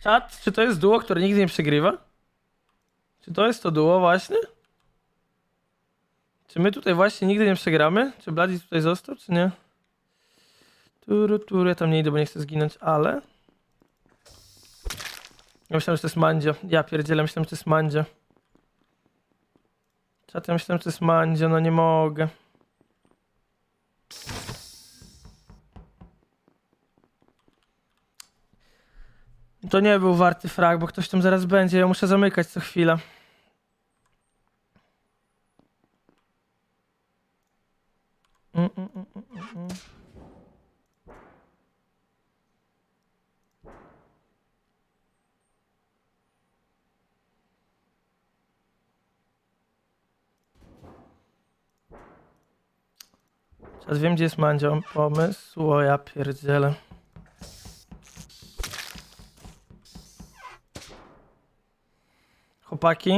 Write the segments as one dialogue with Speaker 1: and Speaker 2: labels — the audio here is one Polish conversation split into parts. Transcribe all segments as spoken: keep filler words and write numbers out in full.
Speaker 1: Czat, czy to jest duo, które nigdy nie przegrywa? Czy to jest to duo właśnie? Czy my tutaj właśnie nigdy nie przegramy? Czy Bloody tutaj został, czy nie? Turu, turu, ja tam nie idę, bo nie chcę zginąć, ale... Ja myślałem, że to jest Mandzio. Ja pierdzielę, myślałem, że to jest Mandzio. Czat, ja myślałem, że to jest Mandzio, no nie mogę. To nie był warty frag, bo ktoś tam zaraz będzie, ja muszę zamykać co chwilę. Mm, mm, mm, mm, mm. Teraz wiem, gdzie jest Mandzio. Pomysł, o ja pierdzielę. Chłopaki?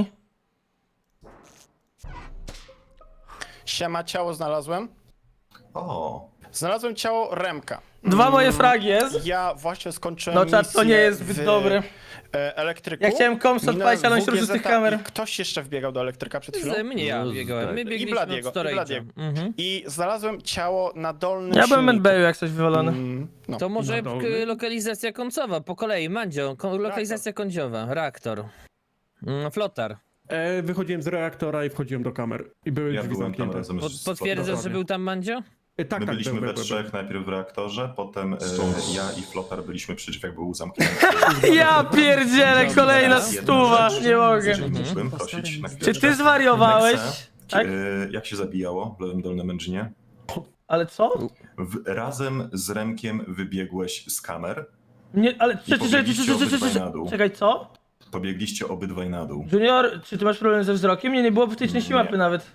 Speaker 2: Siema, ciało znalazłem.
Speaker 3: O,
Speaker 2: Znalazłem ciało Remka.
Speaker 1: Dwa moje fragi jest.
Speaker 2: Ja właśnie skończyłem
Speaker 1: No czat, to nie
Speaker 2: misję
Speaker 1: jest zbyt
Speaker 2: w,
Speaker 1: dobry.
Speaker 2: e, elektryku.
Speaker 1: Ja chciałem koms
Speaker 2: Minąłem
Speaker 1: odpalić, ale on się
Speaker 2: W G
Speaker 1: ruszył z tych
Speaker 2: Z
Speaker 1: kamer.
Speaker 2: i Ktoś jeszcze wbiegał do elektryka przed chwilą.
Speaker 4: Z mnie ja
Speaker 5: No,
Speaker 4: biegałem. My
Speaker 5: tak.
Speaker 4: biegliśmy
Speaker 2: Bladiego,
Speaker 4: od
Speaker 2: i
Speaker 4: storage'a.
Speaker 2: Bladiego.
Speaker 4: Mhm.
Speaker 2: I znalazłem ciało na dolnym
Speaker 1: Ja byłem
Speaker 2: silniku.
Speaker 1: medbayu jak coś wywalony.
Speaker 2: Mm, no.
Speaker 4: To może
Speaker 5: Na
Speaker 4: k-
Speaker 5: dolny?
Speaker 4: lokalizacja końcowa, po kolei, Mandzio, ko- lokalizacja końcowa, reaktor. Mm, Flotar.
Speaker 5: E, wychodziłem z reaktora i wchodziłem do kamer. I były
Speaker 3: ja
Speaker 5: drzwi
Speaker 3: byłem tam
Speaker 5: zamknięte.
Speaker 3: razem
Speaker 4: Pod,
Speaker 3: z
Speaker 4: potwierdzasz, że
Speaker 5: dokładnie.
Speaker 4: był tam Mandzio?
Speaker 5: E, tak,
Speaker 3: My
Speaker 5: tak,
Speaker 3: byliśmy
Speaker 5: był,
Speaker 3: we
Speaker 5: był, był.
Speaker 3: trzech, najpierw w reaktorze, potem e, ja i Flotar byliśmy przy drzwiach, był zamknięty.
Speaker 1: Ja pierdzielę, kolejna
Speaker 4: Dobra.
Speaker 1: stuwa,
Speaker 3: Jedna rzecz,
Speaker 1: nie mogę.
Speaker 3: jeżeli mógłbym prosić na
Speaker 1: Czy
Speaker 3: chwileczkę.
Speaker 1: ty zwariowałeś?
Speaker 3: Nexe,
Speaker 1: Tak?
Speaker 3: e, jak się zabijało w lewym dolnym engine?
Speaker 1: Ale co?
Speaker 3: W, razem z Remkiem wybiegłeś z kamer,
Speaker 1: Nie, ale czekaj, czekaj,
Speaker 3: pobiegliście
Speaker 1: czekaj, czekaj,
Speaker 3: obydwaj
Speaker 1: czekaj,
Speaker 3: na dół.
Speaker 1: czekaj, co?
Speaker 3: pobiegliście obydwaj na dół.
Speaker 1: Junior, czy ty masz problem ze wzrokiem? Nie, nie było w tej części
Speaker 3: Nie.
Speaker 1: mapy nawet.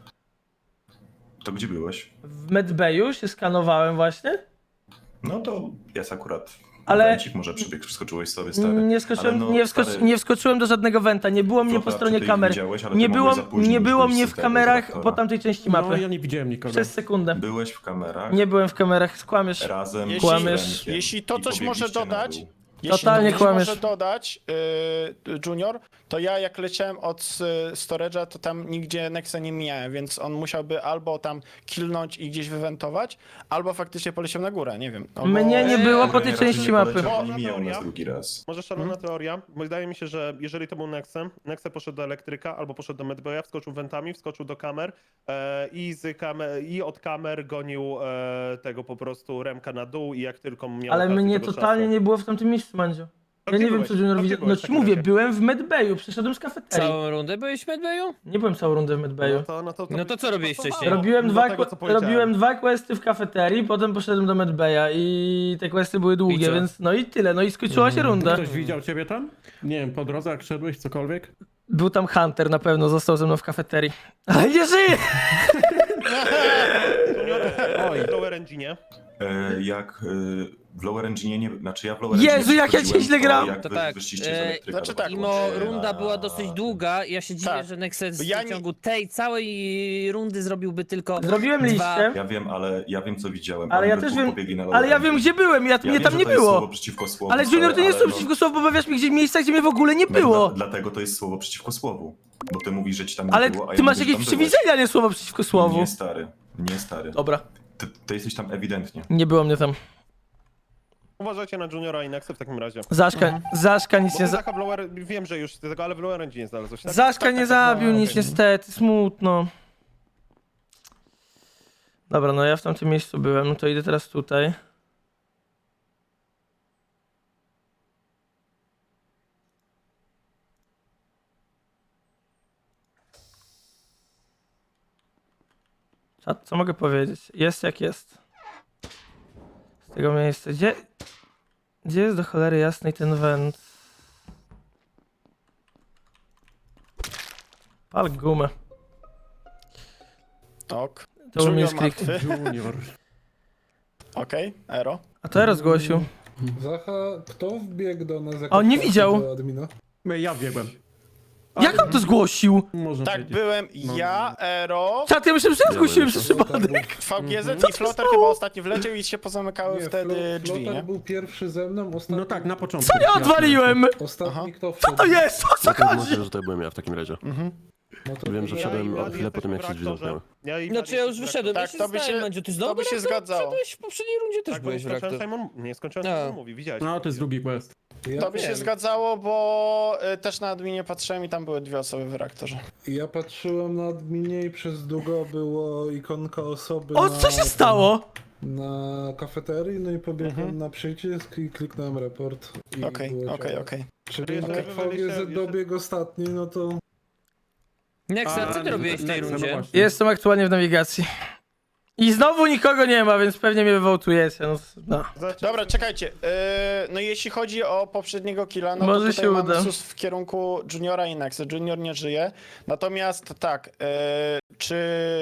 Speaker 3: To gdzie byłeś?
Speaker 1: W medbayu się skanowałem właśnie.
Speaker 3: No to jest akurat...
Speaker 1: Ale-
Speaker 3: Momencik, może przebieg, wskoczyłeś sobie, stary.
Speaker 1: Nie, skoczyłem,
Speaker 3: Ale no,
Speaker 1: nie, wskocz,
Speaker 3: stary,
Speaker 1: nie wskoczyłem do żadnego wenta, nie było mnie po
Speaker 3: Flotar,
Speaker 1: stronie
Speaker 3: czy ty
Speaker 1: kamer.
Speaker 3: widziałeś, ale
Speaker 1: Nie
Speaker 3: ty
Speaker 1: było,
Speaker 3: mogłeś za późno
Speaker 1: nie
Speaker 3: już
Speaker 1: było
Speaker 3: wyjść
Speaker 1: mnie
Speaker 3: z
Speaker 1: w
Speaker 3: tego
Speaker 1: kamerach
Speaker 3: reaktora.
Speaker 1: po tamtej części
Speaker 5: No,
Speaker 1: mapy.
Speaker 5: ja nie widziałem nikogo.
Speaker 1: Przez sekundę.
Speaker 3: Byłeś w kamerach.
Speaker 1: Nie byłem w kamerach, skłamiesz.
Speaker 3: Razem
Speaker 2: Jeśli-
Speaker 3: z
Speaker 1: Kłamiesz.
Speaker 3: Remkiem
Speaker 2: Jeśli to
Speaker 3: i
Speaker 2: coś może
Speaker 3: pobiegliście na
Speaker 2: dodać,
Speaker 3: dół.
Speaker 2: jeśli
Speaker 1: Totalnie
Speaker 2: to coś
Speaker 1: kłamiesz.
Speaker 2: może dodać, yy, Junior, to ja jak leciałem od y, storage'a, to tam nigdzie Nexa nie mijałem, więc on musiałby albo tam killnąć i gdzieś wywentować, albo faktycznie poleciał na górę, nie wiem. No, bo-
Speaker 1: Mnie nie było po
Speaker 3: Kurde,
Speaker 1: tej
Speaker 3: raczej
Speaker 1: części
Speaker 3: nie
Speaker 1: mapy.
Speaker 3: poleciał,
Speaker 6: Bo-
Speaker 3: Nie mijał nas
Speaker 6: teoria.
Speaker 3: drugi raz.
Speaker 6: Może szalona teoria, bo wydaje mi się, że jeżeli to był Nexem, Nexe poszedł do elektryka albo poszedł do medbaya, wskoczył wentami, wskoczył do kamer e, i, z kamer i od kamer gonił e, tego po prostu Remka na dół i jak tylko miał
Speaker 1: Ale
Speaker 6: okazję,
Speaker 1: mnie
Speaker 6: tego
Speaker 1: totalnie
Speaker 6: czasu.
Speaker 1: nie było w tamtym miejscu, Mandzio.
Speaker 6: A
Speaker 1: Ja
Speaker 6: gdzie
Speaker 1: nie wiem,
Speaker 6: byłeś?
Speaker 1: co Junior
Speaker 6: A gdzie
Speaker 1: widział. No
Speaker 6: byłeś w
Speaker 1: ci
Speaker 6: takim
Speaker 1: mówię,
Speaker 6: razie?
Speaker 1: byłem w medbayu, przeszedłem z kafeterii.
Speaker 4: Całą rundę byłeś w medbayu?
Speaker 1: Nie byłem całą rundę w medbayu.
Speaker 6: No to, no to,
Speaker 4: No to co robiłeś wcześniej?
Speaker 1: Robiłem
Speaker 6: do
Speaker 1: dwa,
Speaker 6: tego, co powiedziałem.
Speaker 1: robiłem dwa questy w kafeterii, potem poszedłem do medbaya i te questy były
Speaker 4: I
Speaker 1: długie,
Speaker 4: co?
Speaker 1: więc no i tyle, no i skończyła się runda.
Speaker 5: Ktoś widział ciebie tam? Nie wiem, po drodze jak szedłeś, cokolwiek?
Speaker 1: Był tam Hunter na pewno, został ze mną w kafeterii. Ale nie żyje!
Speaker 6: Oj, w lower engine.
Speaker 3: E, jak e, w lower engine nie... Znaczy ja w lower
Speaker 1: Jezu,
Speaker 3: engine
Speaker 1: jak ja
Speaker 3: wchodziłem,
Speaker 1: źle
Speaker 3: to
Speaker 1: gram!
Speaker 3: Jak
Speaker 4: To
Speaker 3: wy
Speaker 4: tak,
Speaker 3: wyszliście z
Speaker 4: e,
Speaker 3: elektryka,
Speaker 2: znaczy
Speaker 3: to
Speaker 2: tak,
Speaker 3: było
Speaker 4: Mimo
Speaker 3: się
Speaker 4: runda
Speaker 3: na-
Speaker 4: była dosyć długa, ja się dziwię,
Speaker 2: Tak.
Speaker 4: że Nexus
Speaker 2: Ja
Speaker 4: w
Speaker 2: nie-
Speaker 4: ciągu tej całej rundy zrobiłby tylko
Speaker 1: Zrobiłem
Speaker 4: dwa.
Speaker 1: liście,
Speaker 3: Ja wiem, ale ja wiem co widziałem.
Speaker 1: ale
Speaker 3: Oni
Speaker 1: ja
Speaker 3: we
Speaker 1: też
Speaker 3: dwóch
Speaker 1: wiem,
Speaker 3: pobiegli na lower
Speaker 1: ale ja
Speaker 3: engine.
Speaker 1: wiem gdzie byłem, ja,
Speaker 3: Ja
Speaker 1: mnie
Speaker 3: wiem,
Speaker 1: tam
Speaker 3: że
Speaker 1: nie
Speaker 3: to jest słowo
Speaker 1: było.
Speaker 3: przeciwko słowu,
Speaker 1: Ale Junior, to nie jest
Speaker 3: ale
Speaker 1: słowo przeciwko słowu, bo powiesz mi gdzie miejsca, gdzie mnie w ogóle nie
Speaker 3: No,
Speaker 1: było.
Speaker 3: Dla, dlatego to jest słowo przeciwko słowu. Bo ty mówisz, że ci tam nie
Speaker 1: Ale
Speaker 3: było, a
Speaker 1: ty
Speaker 3: ja
Speaker 1: masz
Speaker 3: mówię, że
Speaker 1: jakieś
Speaker 3: tam byłeś.
Speaker 1: przewidzenia, nie słowo przeciwko słowu.
Speaker 3: Nie stary, nie stary.
Speaker 1: Dobra,
Speaker 3: Ty, ty jesteś tam ewidentnie.
Speaker 1: nie było mnie tam.
Speaker 6: Uważajcie na Juniora i Nexe w takim razie.
Speaker 1: Zaszka, Zaszka nic
Speaker 6: Bo
Speaker 1: nie
Speaker 6: ty
Speaker 1: za...
Speaker 6: Zacha w lower, wiem, że już tego, ale w lower engine znalazłeś, tak?
Speaker 1: Zaszka
Speaker 2: tak,
Speaker 1: nie
Speaker 2: tak,
Speaker 1: zabił
Speaker 2: no,
Speaker 1: nic
Speaker 2: okej.
Speaker 1: niestety, smutno. Dobra, no ja w tamtym miejscu byłem, no to idę teraz tutaj. Co, co mogę powiedzieć? Jest jak jest. Z tego miejsca. Gdzie, gdzie jest do cholery jasnej ten węd? Pal gumę.
Speaker 2: Ok.
Speaker 1: To u mnie
Speaker 2: Junior
Speaker 1: jest klik.
Speaker 2: martwy.
Speaker 5: Junior.
Speaker 2: Okej, Ero.
Speaker 1: A to ja zgłosił.
Speaker 7: Zacha, kto wbiegł do nas
Speaker 1: A on nie
Speaker 7: jako
Speaker 1: widział.
Speaker 7: do admina?
Speaker 5: Ja biegłem.
Speaker 1: Jak on to zgłosił?
Speaker 5: Można
Speaker 2: Tak,
Speaker 5: powiedzieć.
Speaker 2: byłem ja, Ero,
Speaker 1: Czat, ja myślałem, że ja zgłosiłem przez przypadek.
Speaker 2: V G Z
Speaker 1: Co
Speaker 2: i
Speaker 1: się
Speaker 2: Flotar
Speaker 1: stało?
Speaker 2: chyba ostatnio wleciał i się pozamykały
Speaker 7: Nie,
Speaker 2: wtedy
Speaker 7: Flo-
Speaker 2: drzwi,
Speaker 7: Flotar
Speaker 2: nie?
Speaker 7: był pierwszy ze mną, ostatni,
Speaker 5: No tak, na początku.
Speaker 1: Co ja odwaliłem?
Speaker 7: ostatni
Speaker 2: Aha.
Speaker 7: kto
Speaker 1: Co
Speaker 7: wszedł.
Speaker 1: to jest? O co
Speaker 8: No to
Speaker 1: chodzi?
Speaker 8: możliwe, że to byłem ja w takim razie.
Speaker 2: Mhm.
Speaker 7: No to
Speaker 8: Wiem, że
Speaker 6: Ja
Speaker 8: wszedłem
Speaker 6: i
Speaker 8: o
Speaker 6: Vladi
Speaker 8: chwilę po tym, jak się
Speaker 6: jesteśmy
Speaker 8: drzwi
Speaker 6: w reaktorze.
Speaker 8: zamknęły.
Speaker 6: Ja i
Speaker 4: Znaczy ja już wyszedłem,
Speaker 2: Tak,
Speaker 4: ja się
Speaker 2: to by
Speaker 4: zastanawiam,
Speaker 2: się-
Speaker 4: Mandzio, ty
Speaker 2: to
Speaker 4: znowu
Speaker 2: by się
Speaker 4: reaktor?
Speaker 2: zgadzało.
Speaker 4: Wszedłeś w poprzedniej rundzie też
Speaker 6: Tak, bo nie
Speaker 4: byłeś w
Speaker 6: skończyłem
Speaker 4: reaktor.
Speaker 6: Simon, nie skończyłem
Speaker 4: A.
Speaker 6: Simon mówi, widziałeś.
Speaker 5: No, to jest drugi quest.
Speaker 7: ja,
Speaker 2: To by się
Speaker 4: wiem.
Speaker 2: zgadzało, bo y, też na adminie patrzyłem i tam były dwie osoby w reaktorze.
Speaker 7: ja patrzyłem na adminie i przez długo było ikonka osoby
Speaker 1: O,
Speaker 7: na,
Speaker 1: co się stało?
Speaker 7: na kafeterii, no i pobiegłem
Speaker 2: Mhm.
Speaker 7: na przycisk i kliknąłem report. i
Speaker 2: Okej,
Speaker 7: było
Speaker 2: okej,
Speaker 7: ciało.
Speaker 2: okej.
Speaker 7: Czyli
Speaker 6: Okej.
Speaker 7: jak V G Z dobiegł ostatni, no to...
Speaker 4: Nexa, co ty
Speaker 5: A,
Speaker 4: robiłeś w tej
Speaker 5: Nexa, no
Speaker 4: rundzie?
Speaker 5: właśnie.
Speaker 1: Jestem aktualnie w nawigacji. I znowu nikogo nie ma, więc pewnie mnie wywołtujecie. No, no.
Speaker 2: Dobra, czekajcie. Yy, no jeśli chodzi o poprzedniego killa, no
Speaker 1: Może
Speaker 2: to tutaj
Speaker 1: się
Speaker 2: mamy
Speaker 1: uda.
Speaker 2: sus w kierunku Juniora i Nexa. Junior nie żyje. Natomiast tak, yy, czy...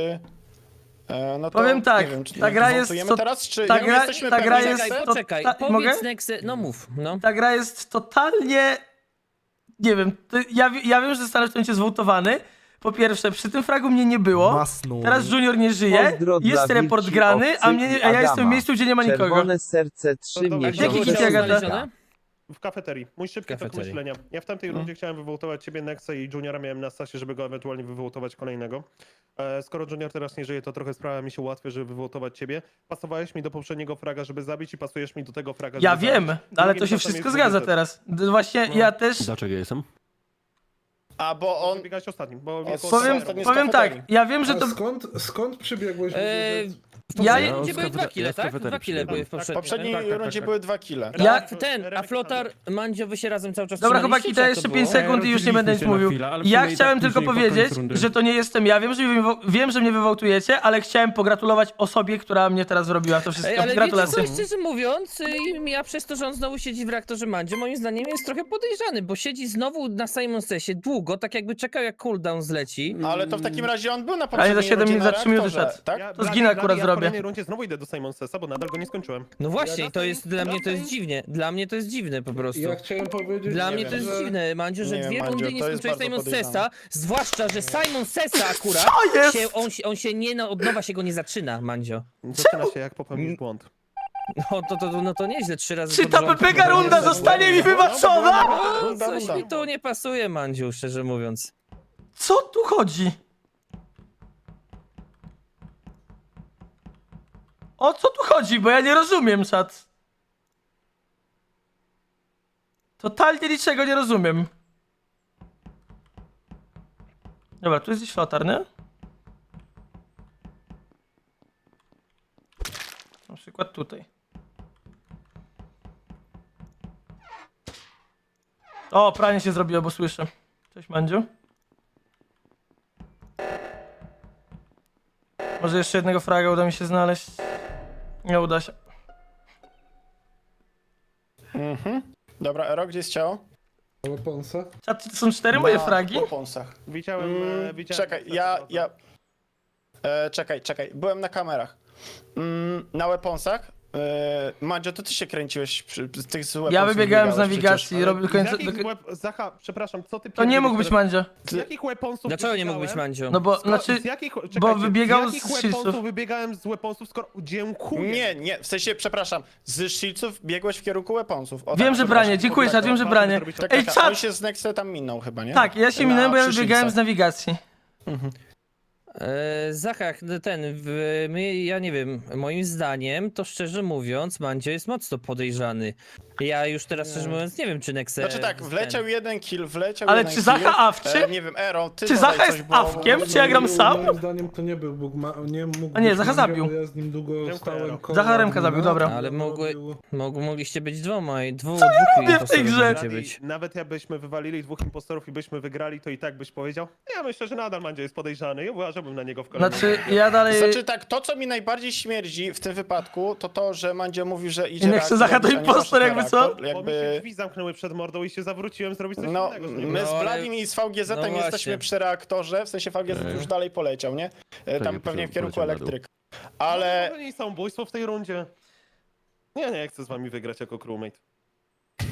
Speaker 2: yy, no to,
Speaker 1: Powiem tak,
Speaker 2: nie wiem, czy
Speaker 1: ta gra jest
Speaker 2: wątujemy
Speaker 1: to-
Speaker 2: teraz, czy
Speaker 1: ta
Speaker 2: nie
Speaker 1: gra-
Speaker 2: jesteśmy
Speaker 1: ta
Speaker 2: pewni,
Speaker 1: gra
Speaker 2: że
Speaker 1: jest-
Speaker 4: Poczekaj,
Speaker 2: Nexe?
Speaker 1: to-
Speaker 4: poczekaj,
Speaker 1: ta-
Speaker 4: powiedz
Speaker 1: mogę?
Speaker 4: Nexy, no mów, no.
Speaker 1: Ta gra jest totalnie... Nie wiem, to ja, wi- ja wiem, że zostanę w tym momencie zwołtowany. Po pierwsze, przy tym fragu mnie nie było.
Speaker 9: Masnun.
Speaker 1: Teraz Junior nie żyje.
Speaker 9: Pozdro dla
Speaker 1: Jest report
Speaker 9: wilczy,
Speaker 1: grany, a,
Speaker 9: owcy
Speaker 1: mnie,
Speaker 9: i
Speaker 1: a ja jestem w
Speaker 9: Adama.
Speaker 1: miejscu, gdzie nie ma nikogo.
Speaker 9: Czerwone serce trzy
Speaker 6: No dobra,
Speaker 1: Jaki
Speaker 9: miesiące.
Speaker 1: kit, Agata?
Speaker 4: znalezione?
Speaker 6: W kafeterii. Mój szybki tok
Speaker 4: Kafeterii.
Speaker 6: myślenia. Ja w tamtej rundzie chciałem wywołtować ciebie, Nexa i Juniora miałem na stasie, żeby go ewentualnie wywołtować kolejnego. E, skoro Junior teraz nie żyje, to trochę sprawa mi się ułatwia, żeby wywołtować ciebie. Pasowałeś mi do poprzedniego fraga, żeby zabić i pasujesz mi do tego fraga, żeby
Speaker 1: Ja wiem,
Speaker 6: zabić.
Speaker 1: ale
Speaker 6: Drugim
Speaker 1: to się
Speaker 6: czasem
Speaker 1: wszystko
Speaker 6: jest
Speaker 1: zgadza
Speaker 6: W G Z.
Speaker 1: teraz. D- Właśnie
Speaker 6: No.
Speaker 1: ja też...
Speaker 8: Dlaczego ja jestem?
Speaker 2: A, bo on...
Speaker 6: Wybiegałeś ostatnim, bo...
Speaker 2: O,
Speaker 6: jako
Speaker 2: powiem-
Speaker 6: ostatni-
Speaker 2: z
Speaker 1: Powiem
Speaker 2: kafeterii.
Speaker 1: tak, ja wiem, że
Speaker 7: A
Speaker 1: to...
Speaker 7: skąd, skąd przybiegłeś?
Speaker 4: Eee, w
Speaker 1: Ja-
Speaker 4: poprzedniej
Speaker 1: Ja
Speaker 4: rundzie
Speaker 8: z
Speaker 4: były dwa
Speaker 8: kafeterii-
Speaker 4: kile,
Speaker 8: ja z
Speaker 4: tak?
Speaker 8: kafeterii
Speaker 4: Dwa kile były w
Speaker 8: przybiegłem.
Speaker 2: W
Speaker 4: poprzedniej.
Speaker 2: poprzedniej
Speaker 6: Tak, tak, tak,
Speaker 2: rundzie
Speaker 6: tak.
Speaker 2: były dwa kile.
Speaker 1: Ja-
Speaker 4: Ja, ten, a Flotar, Mandzio, wy się razem cały czas
Speaker 1: Dobra
Speaker 4: trzymaliście,
Speaker 1: chłopaki,
Speaker 4: czy
Speaker 1: to
Speaker 4: jak
Speaker 1: jeszcze
Speaker 4: było?
Speaker 1: pięć sekund i już nie będę nic
Speaker 5: Rozdzieliliśmy się na
Speaker 1: mówił.
Speaker 5: chwilę, ale w
Speaker 1: Ja
Speaker 5: sumie i
Speaker 1: chciałem
Speaker 5: tak
Speaker 1: tylko
Speaker 5: później pod koniec
Speaker 1: powiedzieć,
Speaker 5: rundy.
Speaker 1: że to nie jestem ja. Wiem, że mnie, wywo- wiem, że mnie wywołtujecie, ale chciałem pogratulować osobie, która mnie teraz zrobiła to wszystko.
Speaker 4: Ej, ale
Speaker 1: Gratulacje.
Speaker 4: wiecie co, szczerze mówiąc, y, ja przez to, że on znowu siedzi w reaktorze Mandzio, moim zdaniem jest trochę podejrzany, bo siedzi znowu na Simon Sesie długo, tak jakby czekał jak cooldown zleci.
Speaker 2: Ale to w takim razie on był na
Speaker 1: Ale za
Speaker 2: poprzedniej
Speaker 1: siedem
Speaker 2: rundzie
Speaker 1: minut,
Speaker 2: na
Speaker 1: za trzy minuty
Speaker 2: reaktorze,
Speaker 1: szedł.
Speaker 2: tak?
Speaker 6: Ja,
Speaker 1: To
Speaker 6: Vladi,
Speaker 1: zginę
Speaker 6: Vladi,
Speaker 1: akurat
Speaker 6: ja w
Speaker 1: zrobię.
Speaker 6: kolejnej rundzie znowu idę do Simon Sessa, bo nadal go nie skończyłem.
Speaker 4: No właśnie,
Speaker 7: Ja
Speaker 4: to jest, dla mnie to jest
Speaker 6: wracaj.
Speaker 4: dziwnie, dla mnie to jest dziwne po prostu.
Speaker 7: Ja chciałem powiedzieć,
Speaker 4: Dla
Speaker 2: Nie
Speaker 4: mnie
Speaker 2: wiem,
Speaker 4: to jest
Speaker 7: że...
Speaker 4: dziwne, Mandziu, że
Speaker 2: Nie wiem,
Speaker 4: dwie
Speaker 2: Mandziu,
Speaker 4: rundy nie
Speaker 2: to jest
Speaker 4: skończyłeś
Speaker 2: bardzo
Speaker 4: Simon
Speaker 2: podejrzane.
Speaker 4: Sessa, zwłaszcza, że Simon Sessa akurat,
Speaker 1: Co jest?
Speaker 4: się, on, się, on się nie, no, od nowa się go nie zaczyna, Mandzio.
Speaker 6: Zaczyna się jak popełnisz błąd.
Speaker 4: No to, to, no to nieźle, trzy razy
Speaker 1: Czy
Speaker 4: pod
Speaker 1: ta
Speaker 4: rząd.
Speaker 1: pepeka runda zostanie mi wybaczona?
Speaker 4: No,
Speaker 2: Runda,
Speaker 4: coś
Speaker 2: runda.
Speaker 4: mi tu nie pasuje, Mandziu, szczerze mówiąc.
Speaker 1: Co tu chodzi? O co tu chodzi? Bo ja nie rozumiem, czat. Totalnie niczego nie rozumiem. Dobra, tu jest gdzieś flotar, nie? Na przykład tutaj. O, pranie się zrobiło, bo słyszę. Cześć, Mandziu. Może jeszcze jednego fraga uda mi się znaleźć. Nie uda się.
Speaker 2: Mhm. Dobra, Ero, gdzie jest ciało?
Speaker 7: Weaponsa?
Speaker 1: Czat, czy to są cztery moje
Speaker 2: Na
Speaker 1: fragi?
Speaker 2: poponsach.
Speaker 6: Widziałem...
Speaker 2: Mm,
Speaker 6: e, widziałem
Speaker 2: czekaj, ja, ja... E, czekaj, czekaj, byłem na kamerach. Mm, na weaponsach. E, Mandzio, to ty się kręciłeś przy, z tych z
Speaker 1: Ja
Speaker 2: weaponsów
Speaker 1: wybiegałem z
Speaker 2: biegałeś
Speaker 1: nawigacji,
Speaker 2: przecież.
Speaker 1: robię do
Speaker 6: Z
Speaker 1: końca...
Speaker 6: jakich
Speaker 1: Do...
Speaker 6: web... Zacha, przepraszam, co ty
Speaker 1: To nie
Speaker 6: pierdzielisz
Speaker 1: mógł być
Speaker 6: teraz?
Speaker 1: Mandzio.
Speaker 6: Z jakich weaponsów
Speaker 4: Dlaczego nie mógł być
Speaker 6: wybiegałem?
Speaker 4: Mandziu?
Speaker 1: No bo,
Speaker 6: Skoro,
Speaker 1: znaczy...
Speaker 6: z jakich, czekajcie,
Speaker 1: bo wybiegał
Speaker 6: z jakich
Speaker 1: z shieldsów.
Speaker 6: weaponsów wybiegałem z weaponsów, skoro... Dziękuję.
Speaker 2: Nie, nie, w sensie, przepraszam, z shieldsów biegłeś w kierunku weaponsów. O,
Speaker 1: Wiem,
Speaker 2: tak,
Speaker 1: że
Speaker 2: przepraszam.
Speaker 1: branie, dziękuję, czat, wiem, że
Speaker 6: Bardzo
Speaker 1: branie.
Speaker 6: zrobić
Speaker 2: Tak,
Speaker 1: Ej,
Speaker 2: tak, tak, on
Speaker 1: czat!
Speaker 2: się z Nexe tam minął chyba, nie?
Speaker 1: Tak, ja się
Speaker 2: Na
Speaker 1: minąłem, bo ja
Speaker 2: przy
Speaker 1: wybiegałem
Speaker 2: shieldsach.
Speaker 1: z nawigacji.
Speaker 4: E, Zachach, ten, w, my, ja nie wiem, moim zdaniem, to szczerze mówiąc, Mandzio jest mocno podejrzany. Ja już teraz szczerze mówiąc nie wiem, czy Nexe...
Speaker 2: Znaczy tak, wleciał
Speaker 4: ten-
Speaker 2: jeden kill, wleciał
Speaker 1: Ale
Speaker 2: jeden
Speaker 1: czy
Speaker 2: kill.
Speaker 1: Zacha awczy?
Speaker 2: E, nie wiem, Ero, ty
Speaker 1: Czy
Speaker 2: podaj
Speaker 1: Zacha
Speaker 2: coś,
Speaker 1: jest
Speaker 2: bo-
Speaker 1: awkiem? Czy ja gram sam?
Speaker 7: Moim zdaniem to nie był Bóg, ma... nie mógł
Speaker 1: A nie,
Speaker 7: być
Speaker 1: Zacha
Speaker 7: Mandzio,
Speaker 1: zabił.
Speaker 7: bo Ja z nim długo
Speaker 6: Dziękuję.
Speaker 7: stałem koło
Speaker 1: Zacha Remka
Speaker 7: admina,
Speaker 1: zabił, dobra.
Speaker 4: Ale
Speaker 7: on
Speaker 4: mogły-
Speaker 7: robił-
Speaker 4: Mog, mogliście być dwoma i dwóch,
Speaker 1: Co ja
Speaker 4: dwóch
Speaker 1: robię w tej
Speaker 4: impostorów
Speaker 1: grze?
Speaker 4: możecie być.
Speaker 6: Nawet jakbyśmy wywalili dwóch impostorów i byśmy wygrali, to i tak byś powiedział? Ja myślę, że nadal Mandzio jest podejrzany i uważałbym na niego w kolejnym.
Speaker 1: Znaczy, ja dalej...
Speaker 2: Znaczy tak, to co mi najbardziej śmierdzi w tym wypadku, to to, że Mandzio mówi, że idzie
Speaker 1: I niech
Speaker 2: reaktor,
Speaker 1: se Zacha to
Speaker 2: a nie
Speaker 1: impostor,
Speaker 2: poszedł na
Speaker 1: jakby co?
Speaker 2: reaktor,
Speaker 6: Bo mi się
Speaker 2: Jakby...
Speaker 6: drzwi zamknęły przed mordą i się zawróciłem zrobić coś
Speaker 2: No,
Speaker 6: innego. z nim.
Speaker 2: my z
Speaker 4: No, ale-
Speaker 2: Bladim i z V G Z-em
Speaker 4: no
Speaker 2: jesteśmy
Speaker 4: właśnie.
Speaker 2: przy reaktorze, w sensie V G Z
Speaker 8: Ej.
Speaker 2: już dalej poleciał, nie? E, Tam
Speaker 8: nie,
Speaker 2: pewnie w kierunku
Speaker 8: poleciał na dół.
Speaker 2: elektryka.
Speaker 6: Ale...
Speaker 2: Ale...
Speaker 6: To nie jest samobójstwo w tej rundzie. Ja nie chcę z wami wygrać jako crewmate.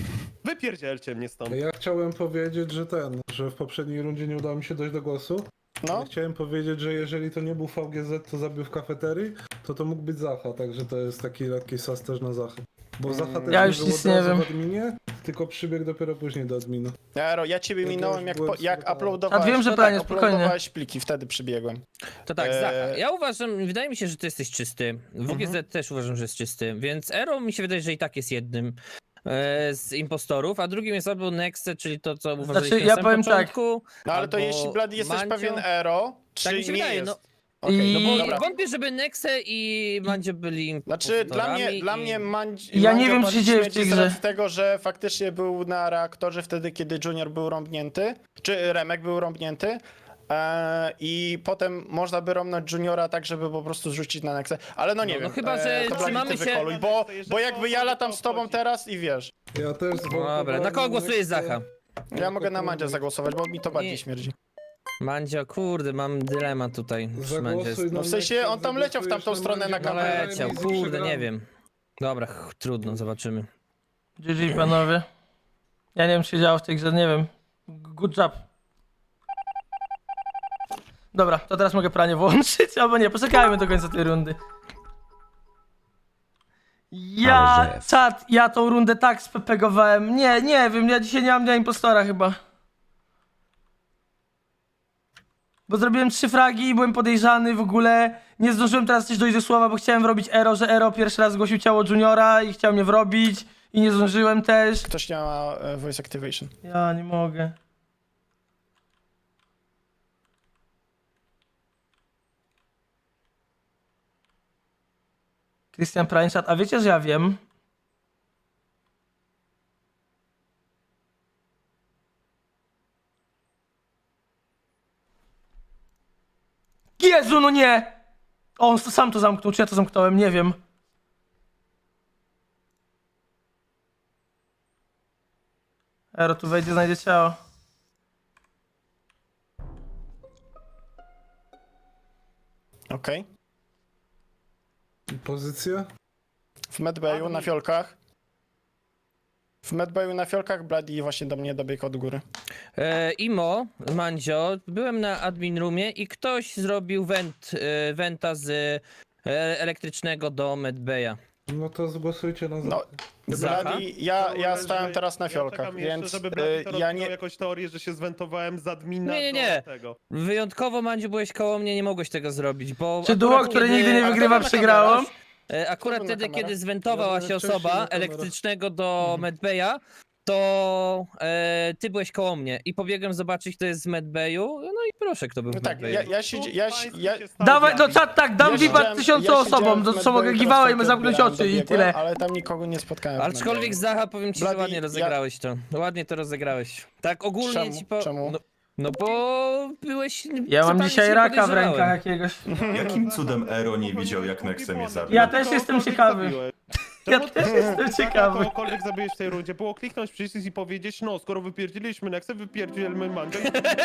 Speaker 6: Wypierdzielcie mnie stąd.
Speaker 7: Ja chciałem powiedzieć, że ten, że w poprzedniej rundzie nie udało mi się dojść do głosu.
Speaker 2: No,
Speaker 7: Chciałem powiedzieć, że jeżeli to nie był V G Z, co zabił w kafeterii, to to mógł być Zacha, także to jest taki lekki sas też na Zachę. Bo Zacha też
Speaker 1: Ja
Speaker 7: nie
Speaker 1: już
Speaker 7: był
Speaker 1: nic
Speaker 7: od
Speaker 1: nie
Speaker 7: razu
Speaker 1: wiem.
Speaker 7: w adminie, tylko przybiegł dopiero później do adminu.
Speaker 2: Ero, ja ciebie
Speaker 7: Ja
Speaker 2: minąłem
Speaker 7: też
Speaker 2: jak,
Speaker 7: byłem
Speaker 2: po, jak
Speaker 7: zbudowany.
Speaker 2: uploadowałeś.
Speaker 1: A wiem, że
Speaker 2: no
Speaker 1: pranie,
Speaker 2: tak,
Speaker 1: spokojnie.
Speaker 2: uploadowałeś pliki, wtedy przybiegłem.
Speaker 4: To tak,
Speaker 2: Eee.
Speaker 4: Zacha, ja uważam, wydaje mi się, że ty jesteś czysty. W G Z
Speaker 2: Mhm.
Speaker 4: też uważam, że jest czysty, więc Ero mi się wydaje, że i tak jest jednym e, z impostorów, a drugim jest albo Nexe, czyli to, co uważaliśmy
Speaker 1: ja
Speaker 4: na samym
Speaker 1: powiem tak.
Speaker 4: początku.
Speaker 2: No ale to
Speaker 4: albo
Speaker 2: jeśli Blady jesteś
Speaker 4: Mandzio.
Speaker 2: pewien Ero, czy
Speaker 4: Tak mi się
Speaker 2: nie
Speaker 4: wydaje,
Speaker 2: jest?
Speaker 4: no.
Speaker 2: Okej,
Speaker 1: I-
Speaker 4: No bo
Speaker 2: dobra.
Speaker 4: wątpię, żeby Nexe i Mandzio byli
Speaker 2: Znaczy, dla mnie,
Speaker 4: impostorami
Speaker 2: dla
Speaker 4: i-
Speaker 2: mnie Mandzi,
Speaker 1: Ja nie
Speaker 2: Mandzio
Speaker 1: wiem, co się
Speaker 2: pali
Speaker 1: dzieje w
Speaker 2: śmierci
Speaker 1: tej
Speaker 2: z
Speaker 1: grze.
Speaker 2: racji tego, że faktycznie był na reaktorze wtedy, kiedy Junior był rąbnięty, czy Remek był rąbnięty. Eee, I potem można by romnąć Juniora tak, żeby po prostu zrzucić na Nexę. Ale no nie
Speaker 4: No, no
Speaker 2: wiem.
Speaker 4: chyba, że
Speaker 2: to Blady,
Speaker 4: trzymamy
Speaker 2: ty
Speaker 4: się-
Speaker 2: wykoluj, bo, bo jakby ja latam z tobą teraz i wiesz.
Speaker 7: Ja też
Speaker 4: Dobra, na kogo głosujesz, Zacha?
Speaker 2: Ja mogę na Mandzia zagłosować, bo mi to bardziej
Speaker 4: Nie.
Speaker 2: śmierdzi.
Speaker 4: Mandzio, kurde, mam dylemat tutaj. z Mandzio.
Speaker 7: Zagłosuj
Speaker 2: No w sensie on tam leciał w tamtą stronę na
Speaker 4: No
Speaker 2: kamerę.
Speaker 4: leciał, kurde, nie wiem. Dobra, ch, trudno, zobaczymy.
Speaker 1: G G panowie. Ja nie wiem, co się działo w tej grze, nie wiem. Good job. Dobra, to teraz mogę pranie włączyć, albo nie, poczekajmy do końca tej rundy. Ja, czat, ja tą rundę tak spepegowałem. Nie, nie wiem, ja dzisiaj nie mam dnia impostora chyba. Bo zrobiłem trzy fragi i byłem podejrzany w ogóle. Nie zdążyłem teraz coś dojść do słowa, bo chciałem wrobić Ero, że Ero pierwszy raz zgłosił ciało Juniora i chciał mnie wrobić. I nie zdążyłem też.
Speaker 2: Ktoś nie ma e, voice activation.
Speaker 1: Ja nie mogę. Christian Prańczat, a wiecie, że ja wiem? Jezu, no nie! O, on sam to zamknął, czy ja to zamknąłem, nie wiem. Ero, tu wejdzie, znajdzie ciało.
Speaker 2: Okej.
Speaker 7: Pozycja?
Speaker 2: W medbayu na fiolkach. W medbayu na fiolkach Blady właśnie do mnie dobiegł od góry.
Speaker 4: E, Imo, Mandzio, byłem na admin roomie i ktoś zrobił went, e, wenta z e, elektrycznego do medbaya.
Speaker 7: No to zgłosujcie na
Speaker 2: No,
Speaker 7: Zachę.
Speaker 4: Zacha?
Speaker 2: Blady, ja, ja
Speaker 6: że-
Speaker 2: stałem teraz na
Speaker 6: ja
Speaker 2: fiolkach,
Speaker 6: czekam jeszcze,
Speaker 2: więc
Speaker 6: żeby
Speaker 2: e,
Speaker 6: Blady to
Speaker 2: ja
Speaker 6: rozwinął
Speaker 2: nie...
Speaker 6: jakąś teorię, że się zwentowałem z admina
Speaker 4: Nie, nie, nie.
Speaker 6: do tego.
Speaker 4: Wyjątkowo, Mandziu, byłeś koło mnie, nie mogłeś tego zrobić, bo...
Speaker 1: Czy duo,
Speaker 4: akurat
Speaker 1: które
Speaker 4: kiedy-
Speaker 1: nigdy nie
Speaker 2: Ale
Speaker 1: wygrywa,
Speaker 2: to na
Speaker 1: przegrało?
Speaker 2: kamerach.
Speaker 4: E, Akurat
Speaker 2: Kto był na
Speaker 4: wtedy,
Speaker 2: kamerach?
Speaker 4: kiedy zwentowała
Speaker 7: Ja
Speaker 4: się
Speaker 7: byłem wcześniej
Speaker 4: osoba
Speaker 7: na kamerach.
Speaker 4: elektrycznego do medbaya, to e, ty byłeś koło mnie i pobiegłem zobaczyć, kto jest z medbayu, no i proszę, kto był
Speaker 2: No
Speaker 4: w
Speaker 2: tak,
Speaker 4: medbayu.
Speaker 2: ja, ja się... Ja, się- ja,
Speaker 1: Dawaj, no czat, tak, dam
Speaker 2: ja
Speaker 1: VIPa
Speaker 2: siedziałem-
Speaker 1: tysiącu
Speaker 2: ja
Speaker 1: osobom,
Speaker 2: siedziałem
Speaker 1: to
Speaker 2: w
Speaker 1: co mogę
Speaker 2: medbayu,
Speaker 1: giwała i
Speaker 2: teraz
Speaker 1: zamknąć
Speaker 2: odbierałem,
Speaker 1: oczy i
Speaker 2: dobiegłem,
Speaker 1: tyle.
Speaker 2: Ale tam nikogo nie spotkałem. w
Speaker 4: Aczkolwiek
Speaker 2: medbayu.
Speaker 4: Zacha, powiem ci, że
Speaker 2: Bloody,
Speaker 4: ładnie
Speaker 2: ja-
Speaker 4: rozegrałeś to. Ładnie to rozegrałeś. Tak ogólnie
Speaker 2: Czemu?
Speaker 4: ci po...
Speaker 2: Czemu?
Speaker 4: No, no bo byłeś...
Speaker 1: Ja mam
Speaker 4: totalnie
Speaker 1: dzisiaj
Speaker 4: cię
Speaker 1: raka w
Speaker 4: podejrzewałem.
Speaker 1: rękach jakiegoś.
Speaker 3: Jakim cudem Ero nie widział, jak Nexe mnie zabił?
Speaker 1: Ja też jestem ciekawy. Ja
Speaker 6: Czemu
Speaker 1: też
Speaker 6: ty-
Speaker 1: jestem
Speaker 6: Zacha
Speaker 1: ciekawy.
Speaker 6: kogokolwiek zabiłeś w tej rundzie, było kliknąć przycisk i powiedzieć, no skoro wypierdziliśmy Nexę, wypierdzilmy Mandzio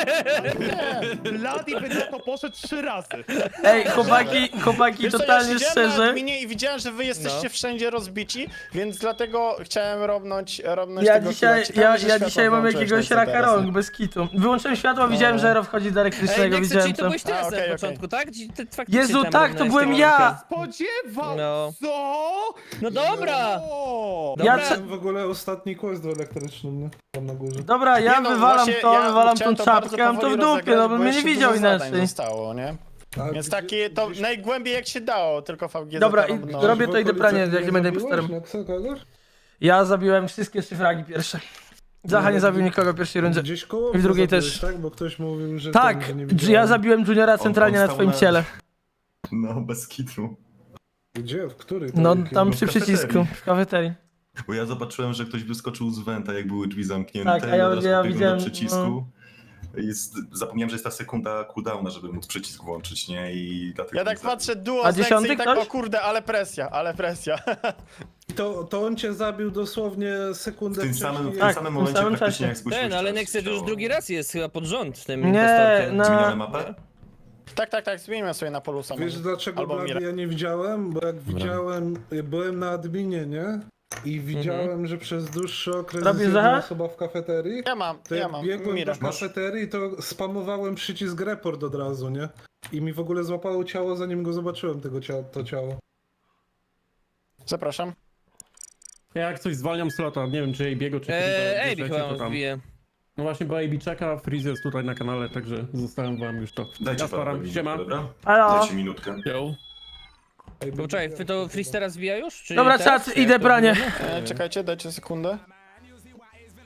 Speaker 6: i... Bloody by na to poszedł trzy razy.
Speaker 1: Ej, chłopaki, chłopaki,
Speaker 2: Wiesz co,
Speaker 1: totalnie
Speaker 2: ja siedziałem na
Speaker 1: szczerze.
Speaker 2: adminie i widziałem, że wy jesteście
Speaker 4: No.
Speaker 2: wszędzie rozbici, więc dlatego chciałem robnąć, robnąć
Speaker 1: Ja
Speaker 2: tego
Speaker 1: dzisiaj,
Speaker 2: killa. Ciekawe,
Speaker 1: ja,
Speaker 2: że
Speaker 1: ja
Speaker 2: światło
Speaker 1: dzisiaj mam
Speaker 2: włączyłeś
Speaker 1: jakiegoś
Speaker 2: na
Speaker 1: raka
Speaker 2: teraz.
Speaker 1: rąk, bez kitu. Wyłączyłem światło, widziałem, że Ero wchodzi do
Speaker 4: Ej,
Speaker 1: elektrycznego,
Speaker 4: Nexe,
Speaker 1: widziałem
Speaker 4: czyli to
Speaker 1: to.
Speaker 4: byłeś ty
Speaker 2: A,
Speaker 4: na
Speaker 2: okej,
Speaker 4: samym
Speaker 2: okej.
Speaker 4: początku, tak? Ci- ty faktycznie
Speaker 1: Jezu,
Speaker 4: tam
Speaker 1: tak,
Speaker 4: był
Speaker 1: to
Speaker 4: na
Speaker 1: byłem
Speaker 4: tym
Speaker 1: ja!
Speaker 6: Spodziewał
Speaker 4: No.
Speaker 6: co?
Speaker 4: No dobra!
Speaker 6: O!
Speaker 1: Ja
Speaker 4: Dobra.
Speaker 1: cze-
Speaker 7: W ogóle ostatni quest był elektryczny, nie? Tam na górze.
Speaker 1: Dobra, ja
Speaker 2: Nie no,
Speaker 1: wywalam
Speaker 2: właśnie
Speaker 1: to,
Speaker 2: ja
Speaker 1: wywalam tą
Speaker 2: chciałem to bardzo
Speaker 1: czapkę, mam to w
Speaker 2: powoli
Speaker 1: dupie,
Speaker 2: rozegrać,
Speaker 1: no bym
Speaker 2: bo
Speaker 1: mnie nie
Speaker 2: jeszcze
Speaker 1: widział
Speaker 2: dużo zadań
Speaker 1: inaczej.
Speaker 2: zostało, nie?
Speaker 7: A
Speaker 2: Więc
Speaker 7: gdzie-
Speaker 2: takie to
Speaker 7: gdzieś-
Speaker 2: najgłębiej jak się dało, tylko V G Z.
Speaker 1: Dobra, i
Speaker 2: no.
Speaker 1: robię
Speaker 7: w
Speaker 1: to, idę
Speaker 7: okolicach
Speaker 1: pranie, jak nie będę
Speaker 7: zabiłeś
Speaker 1: impostorem.
Speaker 7: Nexa kogoś?
Speaker 1: Ja zabiłem wszystkie trzy fragi pierwsze. Zacha nie zabił nikogo w pierwszej rundzie.
Speaker 7: Gdzieś koło
Speaker 1: I w drugiej
Speaker 7: zabiłeś,
Speaker 1: też.
Speaker 7: Tak, bo ktoś mówił, że...
Speaker 1: Tak,
Speaker 7: ten, że nie
Speaker 1: ja
Speaker 7: widziałem.
Speaker 1: zabiłem Juniora centralnie
Speaker 3: on
Speaker 1: na
Speaker 3: stał
Speaker 1: twoim
Speaker 3: na-
Speaker 1: ciele.
Speaker 3: No, bez kitu.
Speaker 7: Gdzie? W której?
Speaker 1: No,
Speaker 7: Takiej?
Speaker 1: tam
Speaker 3: w
Speaker 1: przy
Speaker 3: kafeterii.
Speaker 1: przycisku, w kafeterii.
Speaker 3: Bo ja zobaczyłem, że ktoś wyskoczył z wenta, jak były drzwi zamknięte.
Speaker 1: Tak, a ja-
Speaker 3: i od razu
Speaker 1: ja
Speaker 3: pobiegłem
Speaker 1: widziałem,
Speaker 3: do przycisku. I z- zapomniałem, że jest ta sekunda cooldowna, żeby móc przycisk włączyć, nie? I dlatego
Speaker 2: Ja
Speaker 3: mnie
Speaker 2: tak
Speaker 3: zabił.
Speaker 2: patrzę duo
Speaker 1: A
Speaker 2: z Nexy
Speaker 1: dziesiąty
Speaker 2: i tak,
Speaker 1: ktoś?
Speaker 2: o kurde, ale presja, ale presja.
Speaker 7: To, to on cię zabił dosłownie sekundę
Speaker 3: W tym
Speaker 7: wcześniej.
Speaker 3: samym, w tym
Speaker 1: Tak,
Speaker 3: samym
Speaker 1: w tym
Speaker 3: momencie
Speaker 1: samym
Speaker 3: praktycznie
Speaker 1: czasie.
Speaker 3: jak zgłosiłeś
Speaker 4: Ten, ale
Speaker 3: ciało.
Speaker 4: Nexe już drugi raz jest chyba pod rząd tym
Speaker 1: Nie,
Speaker 4: impostorkiem.
Speaker 1: no.
Speaker 3: Zmieniamy mapę?
Speaker 2: Tak, tak, tak, zmienimy sobie na polusa.
Speaker 7: Wiesz
Speaker 2: może.
Speaker 7: dlaczego
Speaker 2: Albo
Speaker 7: Blady
Speaker 2: Mira.
Speaker 7: ja nie widziałem? Bo jak widziałem, byłem na adminie, nie? i widziałem, że przez dłuższy okres
Speaker 1: Robisz
Speaker 7: jest jedna
Speaker 1: Zacha?
Speaker 7: osoba w kafeterii.
Speaker 2: Ja mam,
Speaker 7: To
Speaker 2: ja
Speaker 7: jak
Speaker 2: mam.
Speaker 7: biegłem
Speaker 2: Mira.
Speaker 7: do kafeterii, to spamowałem przycisk report od razu, nie? I mi w ogóle złapało ciało, zanim go zobaczyłem, tego cia to ciało.
Speaker 2: Zapraszam.
Speaker 5: Ja jak coś zwalniam slota, nie wiem czy jej biegu, czy
Speaker 4: Eee,
Speaker 5: kiedy
Speaker 4: Ej,
Speaker 5: to
Speaker 4: chyba wbije.
Speaker 5: No właśnie, bo A B czeka, Freeze jest tutaj na kanale, także zostałem wam już to.
Speaker 3: Dajcie
Speaker 5: ja
Speaker 3: parę
Speaker 5: staram,
Speaker 3: minut,
Speaker 5: siema.
Speaker 3: dobra?
Speaker 1: Halo?
Speaker 3: Dajcie minutkę.
Speaker 5: Yo.
Speaker 7: Ej,
Speaker 4: Bo czekaj, to Freeze teraz wbija już? Czy
Speaker 1: Dobra,
Speaker 4: teraz?
Speaker 1: czat,
Speaker 4: Czy
Speaker 1: idę
Speaker 4: jak to
Speaker 1: pranie.
Speaker 4: wygląda?
Speaker 2: E, czekajcie, dajcie sekundę.